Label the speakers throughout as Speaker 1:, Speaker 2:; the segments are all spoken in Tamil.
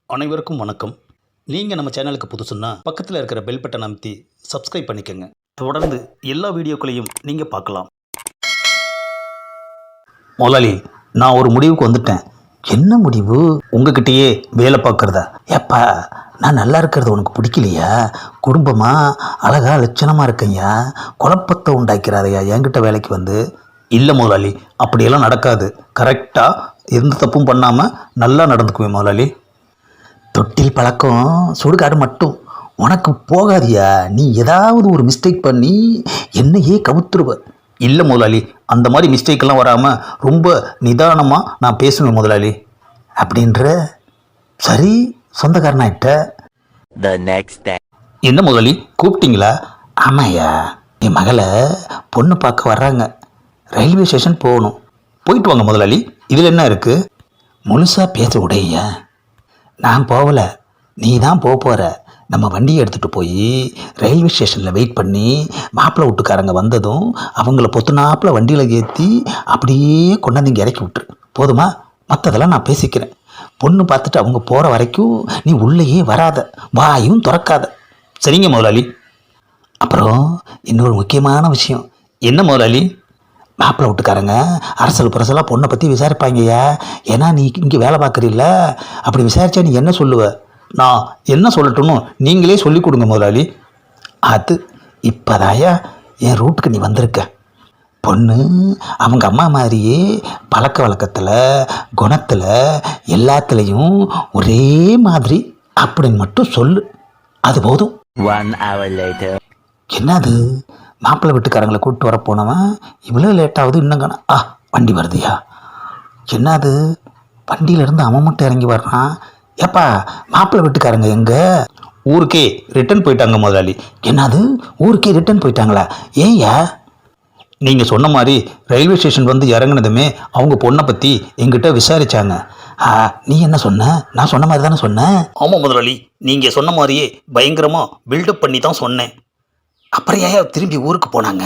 Speaker 1: அனைவருக்கும் வணக்கம். நீங்கள் நம்ம சேனலுக்கு புதுசுன்னா பக்கத்தில் இருக்கிற பெல் பட்டன் அமைத்தி சப்ஸ்கிரைப் பண்ணிக்கோங்க. தொடர்ந்து எல்லா வீடியோக்களையும் நீங்கள் பார்க்கலாம். முதலாளி, நான் ஒரு முடிவுக்கு வந்துட்டேன். என்ன முடிவு? உங்ககிட்டயே வேலை பார்க்குறதா? ஏப்பா, நான் நல்லா இருக்கிறது உனக்கு பிடிக்கலையா? குடும்பமாக அழகா லட்சணமாக இருக்கையா, குழப்பத்தை உண்டாக்கிறாதையா என்கிட்ட வேலைக்கு வந்து? இல்லை முதலாளி, அப்படியெல்லாம் நடக்காது. கரெக்டாக எந்த தப்பும் பண்ணாமல் நல்லா நடந்துக்குவேன் முதலாளி. தொட்டில் பழக்கம் சுடுகாடு மட்டும் உனக்கு போகாதியா? நீ ஏதாவது ஒரு மிஸ்டேக் பண்ணி என்னையே கவுத்துருவ. இல்லை முதலாளி, அந்த மாதிரி மிஸ்டேக்கெல்லாம் வராமல் ரொம்ப நிதானமாக நான் பேசுவேன் முதலாளி. அப்படின்ற சரி, சொந்தக்காரனாயிட்ட.
Speaker 2: The next day.
Speaker 1: என்ன முதலாளி, கூப்பிட்டீங்களா? ஆமாய்யா, என் மகளை பொண்ணு பார்க்க வர்றாங்க. ரயில்வே ஸ்டேஷன் போகணும். போயிட்டு வாங்க முதலாளி, இதில் என்ன இருக்குது? முழுசாக பேச உடையா? நான் போகலை, நீ தான் போகிற. நம்ம வண்டியை எடுத்துகிட்டு போய் ரயில்வே ஸ்டேஷனில் வெயிட் பண்ணி மாப்பிள்ளை வீட்டுக்காரங்க வந்ததும் அவங்கள பொத்துனாப்பில் வண்டியில் ஏற்றி அப்படியே கொண்டாந்து இங்கே இறக்கி விட்டுரு. போதுமா? மற்றதெல்லாம் நான் பேசிக்கிறேன். பொண்ணு பார்த்துட்டு அவங்க போகிற வரைக்கும் நீ உள்ளேயே வராத, வாயும் திறக்காத. சரிங்க முதலாளி. அப்புறம் இன்னொரு முக்கியமான விஷயம். என்ன முதலாளி? மாப்பிள்ளை வீட்டுக்காரங்க அரசல் புரசலாக பொண்ணை பற்றி விசாரிப்பாங்கய்யா. ஏன்னா நீ இங்கே வேலை பார்க்குறீல்ல, அப்படி விசாரித்தா நீ என்ன சொல்லுவ? நான் என்ன சொல்லட்டும்னு நீங்களே சொல்லி கொடுங்க முதலாளி. அது இப்போதாயா என் ரூட்டுக்கு நீ வந்திருக்க. பொண்ணு அவங்க அம்மா மாதிரியே பழக்க வழக்கத்தில், குணத்தில், எல்லாத்துலேயும் ஒரே மாதிரி அப்படின்னு மட்டும் சொல்லு. அது போதும்.
Speaker 2: 1 hour later.
Speaker 1: என்னது, மாப்பிள்ளை வீட்டுக்காரங்களை கூப்பிட்டு வர போனவன் இவ்வளோ லேட்டாகுது இன்னும் காணோம். வண்டி வருதுயா. என்னது, வண்டியிலேருந்து அவன் மட்டும் இறங்கி வர்றான். ஏப்பா, மாப்பிள்ளை வீட்டுக்காரங்க எங்கே? ஊருக்கே ரிட்டர்ன் போயிட்டாங்க முதலாளி. என்னது, ஊருக்கே ரிட்டர்ன் போயிட்டாங்களா? ஏன்யா? நீங்கள் சொன்ன மாதிரி ரயில்வே ஸ்டேஷன் வந்து இறங்குனதுமே அவங்க பொண்ணை பற்றி எங்கிட்ட விசாரித்தாங்க. நீ என்ன சொன்ன? நான் சொன்ன மாதிரி தானே சொன்னேன். ஆமாம் முதலாளி, நீங்கள் சொன்ன மாதிரியே பயங்கரமாக பில்டப் பண்ணி தான் சொன்னேன். அப்புறம் ஏன் திரும்பி ஊருக்கு போனாங்க?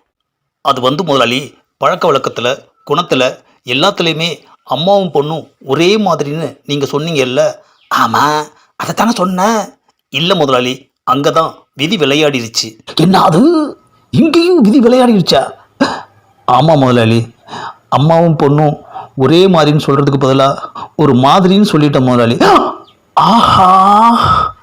Speaker 1: அது வந்து முதலாளி, பழக்க வழக்கத்தில், குணத்தில், எல்லாத்துலேயுமே அம்மாவும் பொண்ணும் ஒரே மாதிரின்னு நீங்கள் சொன்னீங்கல்ல. ஆமாம், அதைத்தானே சொன்னேன். இல்லை முதலாளி, அங்கே தான் விதி விளையாடிருச்சு. என்ன அது, இங்கேயும் விதி விளையாடிருச்சா? ஆமாம் முதலாளி, அம்மாவும் பொண்ணும் ஒரே மாதிரின்னு சொல்கிறதுக்கு பதிலாக ஒரு மாதிரின்னு சொல்லிட்டேன் முதலாளி. ஆஹா,